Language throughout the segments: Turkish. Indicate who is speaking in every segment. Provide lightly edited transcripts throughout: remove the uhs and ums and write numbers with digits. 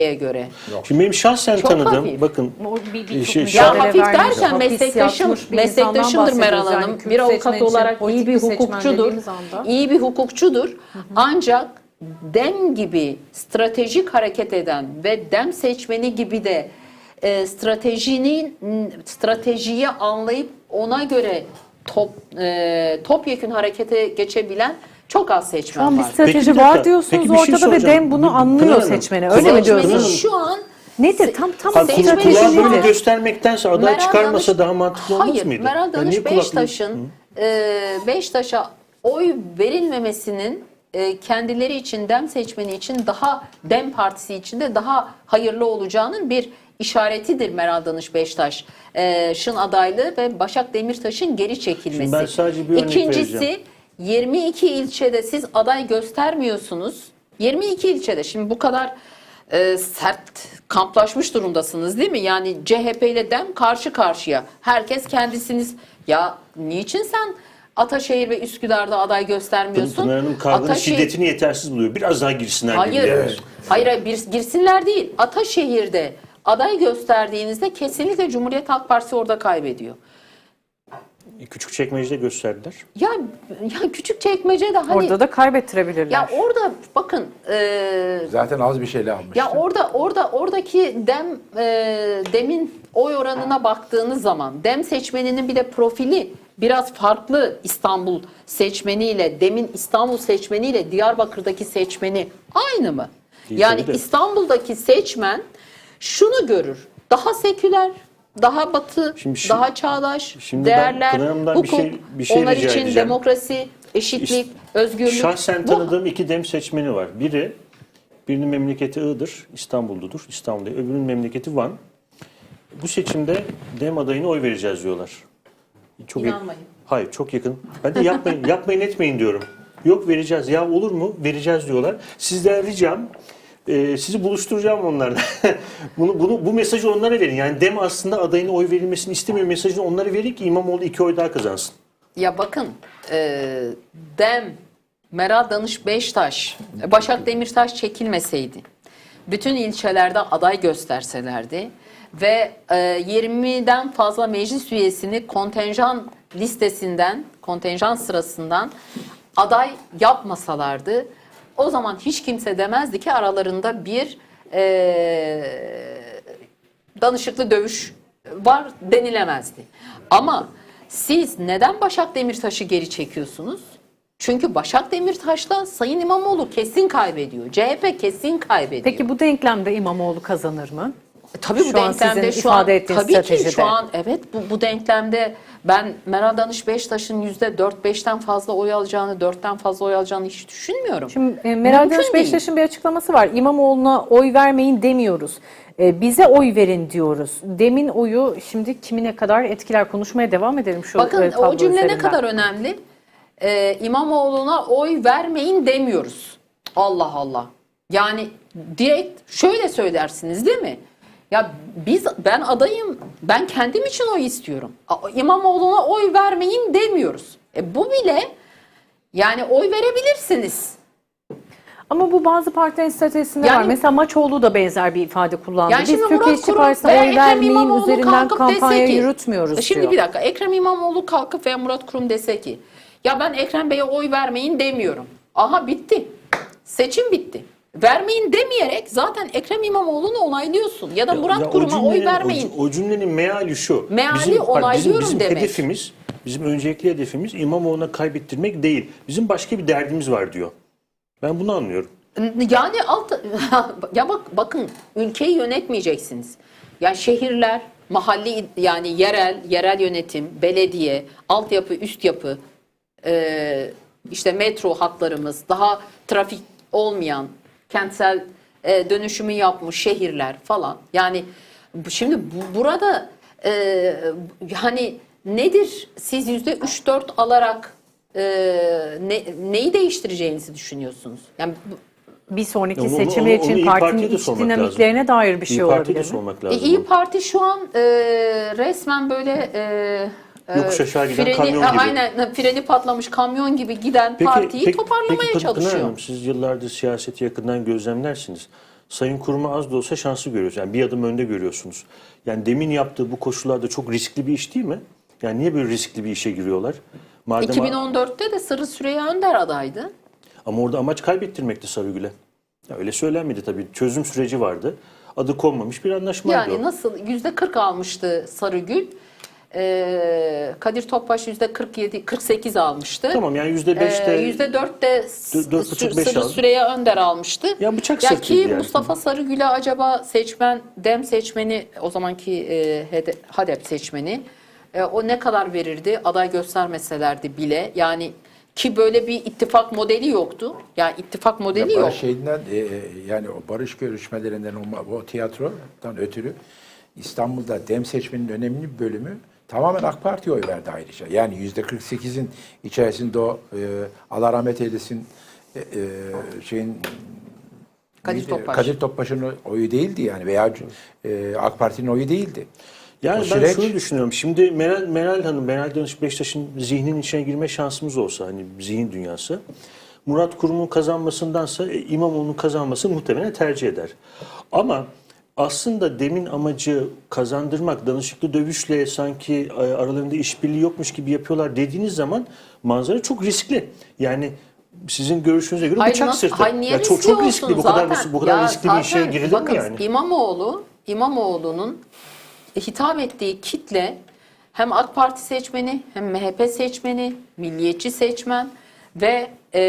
Speaker 1: göre.
Speaker 2: Şimdi benim şahsen
Speaker 1: Çok
Speaker 2: tanıdığım,
Speaker 1: hafif.
Speaker 2: bakın
Speaker 1: Ya hafif derken meslektaşımdır Meral Hanım. Bir avukat olarak iyi bir hukukçudur. İyi bir hukukçudur. Ancak DEM gibi stratejik hareket eden ve DEM seçmeni gibi de stratejiyi anlayıp ona göre topyekün harekete geçebilen çok az seçmen
Speaker 3: Şu an bir
Speaker 1: var.
Speaker 3: strateji var diyorsunuz ortada ve DEM bunu anlıyor seçmeni. Öyle mi diyorsunuz?
Speaker 1: Şu an
Speaker 3: Nedir? Tam
Speaker 1: seçmeni
Speaker 3: strateji
Speaker 2: Kulağı böyle
Speaker 3: nedir?
Speaker 2: göstermektense aday
Speaker 1: Meral
Speaker 2: çıkarmasa
Speaker 1: Danış-
Speaker 2: daha mantıklı olmaz
Speaker 1: Hayır,
Speaker 2: mıydı?
Speaker 1: Meral Danış
Speaker 2: niye kulaklığı-
Speaker 1: Beştaş'a oy verilmemesinin kendileri için, DEM seçmeni için daha, DEM partisi için de daha hayırlı olacağının bir işaretidir Meral Danış Beştaş'ın adaylığı ve Başak Demirtaş'ın geri çekilmesi.
Speaker 2: Şimdi ben sadece bir örnek
Speaker 1: İkincisi,
Speaker 2: vereceğim.
Speaker 1: 22 ilçede siz aday göstermiyorsunuz. 22 ilçede şimdi bu kadar sert kamplaşmış durumdasınız değil mi? Yani CHP ile DEM karşı karşıya. Herkes kendisiniz. Ya niçin sen Ataşehir ve Üsküdar'da aday göstermiyorsun?
Speaker 2: Pınar Hanım kavganın şiddetini yetersiz buluyor. Biraz daha girsinler.
Speaker 1: Hayır.
Speaker 2: gibi.
Speaker 1: Hayır, girsinler değil. Ataşehir'de aday gösterdiğinizde kesinlikle Cumhuriyet Halk Partisi orada kaybediyor.
Speaker 2: Küçükçekmece'de gösterdiler.
Speaker 1: Ya Küçükçekmece'de hani
Speaker 3: Orada da kaybettirebilirler.
Speaker 1: ya orada bakın
Speaker 4: Zaten az bir şeyle almıştı.
Speaker 1: ya oradaki DEM'in oy oranına baktığınız zaman DEM seçmeninin bir de profili biraz farklı İstanbul seçmeniyle DEM'in İstanbul seçmeniyle Diyarbakır'daki seçmeni aynı mı?
Speaker 2: Değil,
Speaker 1: Yani
Speaker 2: tabii de.
Speaker 1: İstanbul'daki seçmen şunu görür. Daha seküler, daha batı, daha çağdaş,
Speaker 2: şimdi
Speaker 1: değerler,
Speaker 2: ben Pınar Hanım'dan
Speaker 1: hukuk,
Speaker 2: bir şey
Speaker 1: onlar
Speaker 2: rica
Speaker 1: için
Speaker 2: edeceğim.
Speaker 1: demokrasi, eşitlik, özgürlük.
Speaker 2: Şahsen
Speaker 1: Bu-
Speaker 2: tanıdığım iki DEM seçmeni var. Birinin memleketi Iğdır, İstanbul'dudur. İstanbul'da. Öbürünün memleketi Van. Bu seçimde DEM adayına oy vereceğiz diyorlar. Çok
Speaker 1: İnanmayın.
Speaker 2: Hayır, çok yakın. Ben de yapmayın etmeyin diyorum. Yok vereceğiz. Ya olur mu? Vereceğiz diyorlar. Sizden ricam sizi buluşturacağım onlarla. Bu mesajı onlara verin. Yani DEM aslında adayına oy verilmesini istemiyor mesajını onlara verin ki İmamoğlu 2 oy daha kazansın.
Speaker 1: Ya bakın DEM, Meral Danış Beştaş, Başak Demirtaş çekilmeseydi, bütün ilçelerde aday gösterselerdi ve 20'den fazla meclis üyesini kontenjan listesinden, kontenjan sırasından aday yapmasalardı, o zaman hiç kimse demezdi ki aralarında bir danışıklı dövüş var denilemezdi. Ama siz neden Başak Demirtaş'ı geri çekiyorsunuz? Çünkü Başak Demirtaş'la Sayın İmamoğlu kesin kaybediyor. CHP kesin kaybediyor.
Speaker 3: Peki bu denklemde İmamoğlu kazanır mı?
Speaker 1: Tabii bu
Speaker 3: Şu an
Speaker 1: denklemde
Speaker 3: sizin
Speaker 1: şu an
Speaker 3: ifade ettiğiniz
Speaker 1: tabii ki
Speaker 3: stratejide.
Speaker 1: şu an evet bu denklemde ben Meral Danış Beştaş'ın %4-5'ten fazla oy alacağını, 4'ten fazla oy alacağını hiç düşünmüyorum.
Speaker 3: Şimdi Meral
Speaker 1: Mümkün
Speaker 3: Danış
Speaker 1: değil.
Speaker 3: Beştaş'ın bir açıklaması var. İmamoğlu'na oy vermeyin demiyoruz. Bize oy verin diyoruz. DEM'in oyu şimdi kimine kadar etkiler? Konuşmaya devam edelim şu
Speaker 1: Bakın
Speaker 3: tablo
Speaker 1: o cümle ne
Speaker 3: üzerinden.
Speaker 1: kadar önemli. İmamoğlu'na oy vermeyin demiyoruz. Allah Allah. Yani direkt şöyle söylersiniz değil mi? Ya ben adayım. Ben kendim için oy istiyorum. İmamoğlu'na oy vermeyin demiyoruz. Bu bile yani oy verebilirsiniz.
Speaker 3: Ama bu bazı partilerin stratejisinde
Speaker 1: Yani-
Speaker 3: var. Mesela Maçoğlu da benzer bir ifade kullandı.
Speaker 1: Yani
Speaker 3: Biz
Speaker 1: şimdi
Speaker 3: Türkiye
Speaker 1: Murat
Speaker 3: İşçi
Speaker 1: Kurum
Speaker 3: Partisi'ne
Speaker 1: veya
Speaker 3: oy
Speaker 1: Ekrem
Speaker 3: vermeyin
Speaker 1: İmamoğlu
Speaker 3: üzerinden
Speaker 1: kalkıp
Speaker 3: kampanya
Speaker 1: dese ki,
Speaker 3: yürütmüyoruz
Speaker 1: şimdi
Speaker 3: diyor.
Speaker 1: bir dakika, Ekrem İmamoğlu kalkıp veya Murat Kurum dese ki ya ben Ekrem Bey'e oy vermeyin demiyorum. Aha bitti. Seçim bitti. Vermeyin demeyerek zaten Ekrem İmamoğlu'nu onaylıyorsun. Ya da Murat
Speaker 2: Ya
Speaker 1: Kurum'a oy vermeyin.
Speaker 2: O cümlenin meali şu.
Speaker 1: Meali onaylıyorum
Speaker 2: bizim
Speaker 1: demek.
Speaker 2: hedefimiz, bizim öncelikli hedefimiz İmamoğlu'na kaybettirmek değil. Bizim başka bir derdimiz var diyor. Ben bunu anlıyorum.
Speaker 1: Yani ya bakın ülkeyi yönetmeyeceksiniz. Yani şehirler, mahalli yani yerel yönetim, belediye, altyapı, üst yapı, işte metro hatlarımız, daha trafik olmayan kentsel dönüşümü yapmış şehirler falan. Yani şimdi burada hani nedir? Siz %3-4 alarak neyi değiştireceğinizi düşünüyorsunuz? Yani
Speaker 3: Bir sonraki
Speaker 2: Onu-
Speaker 3: seçimi
Speaker 2: onu
Speaker 3: için
Speaker 2: İYİ
Speaker 3: partinin
Speaker 2: Parti'ye de
Speaker 3: iç
Speaker 2: sormak
Speaker 3: dinamiklerine dair bir şey
Speaker 2: İYİ Parti'ye
Speaker 3: olabilir
Speaker 2: de
Speaker 3: mi?
Speaker 2: sormak lazım.
Speaker 1: İyi Parti şu an resmen böyle
Speaker 2: Yokuş aşağı giden kamyon gibi.
Speaker 1: Aynen freni patlamış kamyon gibi giden partiyi toparlamaya
Speaker 2: Pınar
Speaker 1: çalışıyor.
Speaker 2: Hanım, siz yıllardır siyaseti yakından gözlemlersiniz. Sayın Kurum'u az da olsa şanslı görüyoruz. Yani bir adım önde görüyorsunuz. Yani demin yaptığı bu koşullarda çok riskli bir iş değil mi? Yani niye böyle riskli bir işe giriyorlar? Madem
Speaker 1: 2014'te de Sırrı Süreyya Önder adaydı.
Speaker 2: Ama orada amaç kaybettirmekti Sarıgül'e. Ya öyle söylenmedi tabii. Çözüm süreci vardı. Adı konmamış bir anlaşmaydı
Speaker 1: Yani
Speaker 2: o.
Speaker 1: nasıl %40 almıştı Sarıgül. Kadir Topbaş %47, 48 almıştı.
Speaker 2: Tamam yani %5'te
Speaker 1: %4'te
Speaker 2: 4,5-5
Speaker 1: Sırrı
Speaker 2: aldı.
Speaker 1: Süreyya Önder almıştı.
Speaker 2: Ya bıçak
Speaker 1: Ya
Speaker 2: sırtıydı
Speaker 1: ki
Speaker 2: yani.
Speaker 1: Mustafa Sarıgül'e acaba dem seçmeni, o zamanki HDP seçmeni o ne kadar verirdi aday göstermeselerdi bile. Yani ki böyle bir ittifak modeli yoktu. Yani ittifak modeli yok.
Speaker 4: Barış şeyinden, yani o barış görüşmelerinden o tiyatrodan ötürü İstanbul'da dem seçmenin önemli bir bölümü tamamen AK Parti'ye oy verdi ayrıca. Yani %48'in içerisinde o Allah rahmet eylesin şeyin
Speaker 1: Kadir Topbaş.
Speaker 4: Kadir Topbaş'ın oyu değildi yani veya AK Parti'nin oyu değildi.
Speaker 2: Yani
Speaker 4: O
Speaker 2: ben
Speaker 4: süreç-
Speaker 2: şunu düşünüyorum. Şimdi Meral Hanım, Meral Danış Beştaş'ın zihninin içine girme şansımız olsa, hani zihin dünyası, Murat Kurum'un kazanmasındansa İmamoğlu'nun kazanmasını muhtemelen tercih eder. Ama aslında demin amacı kazandırmak, danışıklı dövüşle sanki aralarında işbirliği yokmuş gibi yapıyorlar dediğiniz zaman manzara çok riskli. Yani sizin görüşünüze göre
Speaker 1: Hayır,
Speaker 2: bıçak
Speaker 1: nasıl-
Speaker 2: sırtı.
Speaker 1: hayır, niye
Speaker 2: Ya çok
Speaker 1: riskli
Speaker 2: riskli
Speaker 1: olsun
Speaker 2: bu kadar
Speaker 1: zaten?
Speaker 2: bu kadar
Speaker 1: Ya
Speaker 2: riskli bir işe
Speaker 1: zaten
Speaker 2: girilir
Speaker 1: bakın,
Speaker 2: mi yani?
Speaker 1: İmamoğlu'nun hitap ettiği kitle hem AK Parti seçmeni, hem MHP seçmeni, milliyetçi seçmen ve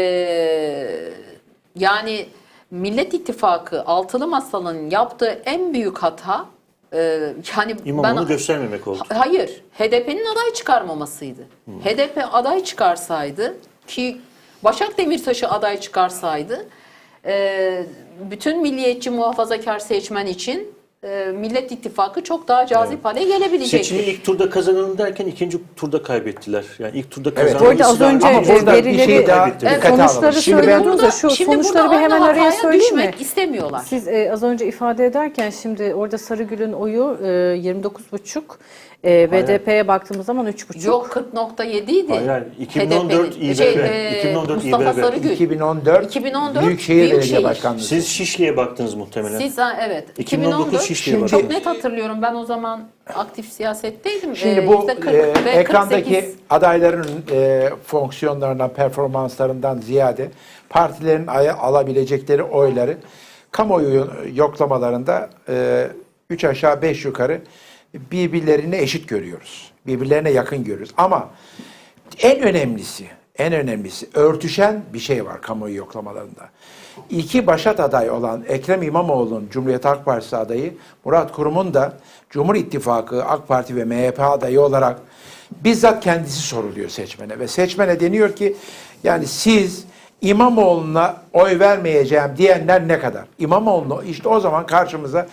Speaker 1: yani Millet İttifakı Altılı Masa'nın yaptığı en büyük hata yani
Speaker 2: İmamoğlu'nu göstermemek oldu.
Speaker 1: hayır, HDP'nin aday çıkarmamasıydı. HDP aday çıkarsaydı ki Başak Demirtaş'ı aday çıkarsaydı bütün milliyetçi muhafazakar seçmen için Millet İttifakı çok daha cazip hale gelebilecekti.
Speaker 2: Seçimi ilk turda kazanalım derken ikinci turda kaybettiler. Yani ilk turda
Speaker 4: Evet.
Speaker 2: kazanılması
Speaker 3: Bu arada az
Speaker 2: lazım.
Speaker 3: önce
Speaker 2: Ama
Speaker 4: burada bir
Speaker 3: verileri,
Speaker 4: şey daha
Speaker 2: dikkate
Speaker 3: sonuçları
Speaker 4: alalım. Şimdi ben-
Speaker 3: söylüyordunuz da şu sonuçları bir hemen araya söyleyeyim mi?
Speaker 1: düşmek istemiyorlar.
Speaker 3: Siz az önce ifade ederken şimdi orada Sarıgül'ün oyu 29,5, BDP'ye baktığımız zaman 3,5.
Speaker 1: Yok 40,7 idi.
Speaker 2: Hayır, 2014
Speaker 1: HDP'nin.
Speaker 2: İBB, 2014
Speaker 1: Mustafa
Speaker 2: İBB.
Speaker 1: Sarıgül.
Speaker 4: 2014 Büyükşehir Belediye Başkanlığı.
Speaker 2: Siz Şişli'ye baktınız muhtemelen.
Speaker 1: Evet.
Speaker 2: 2019 Şişli'ye
Speaker 1: çok
Speaker 2: baktınız.
Speaker 1: net hatırlıyorum. Ben o zaman aktif siyasetteydim.
Speaker 4: Şimdi bu
Speaker 1: %40 ve
Speaker 4: ekrandaki
Speaker 1: 48.
Speaker 4: adayların fonksiyonlarından, performanslarından ziyade partilerin alabilecekleri oyları kamuoyu yoklamalarında 3 aşağı 5 yukarı birbirlerine eşit görüyoruz. Birbirlerine yakın görüyoruz. Ama en önemlisi örtüşen bir şey var kamuoyu yoklamalarında. İki başat aday olan Ekrem İmamoğlu'nun Cumhuriyet Halk Partisi adayı, Murat Kurum'un da Cumhur İttifakı AK Parti ve MHP adayı olarak bizzat kendisi soruluyor seçmene. Ve seçmene deniyor ki yani siz İmamoğlu'na oy vermeyeceğim diyenler ne kadar? İmamoğlu'nu işte o zaman karşımıza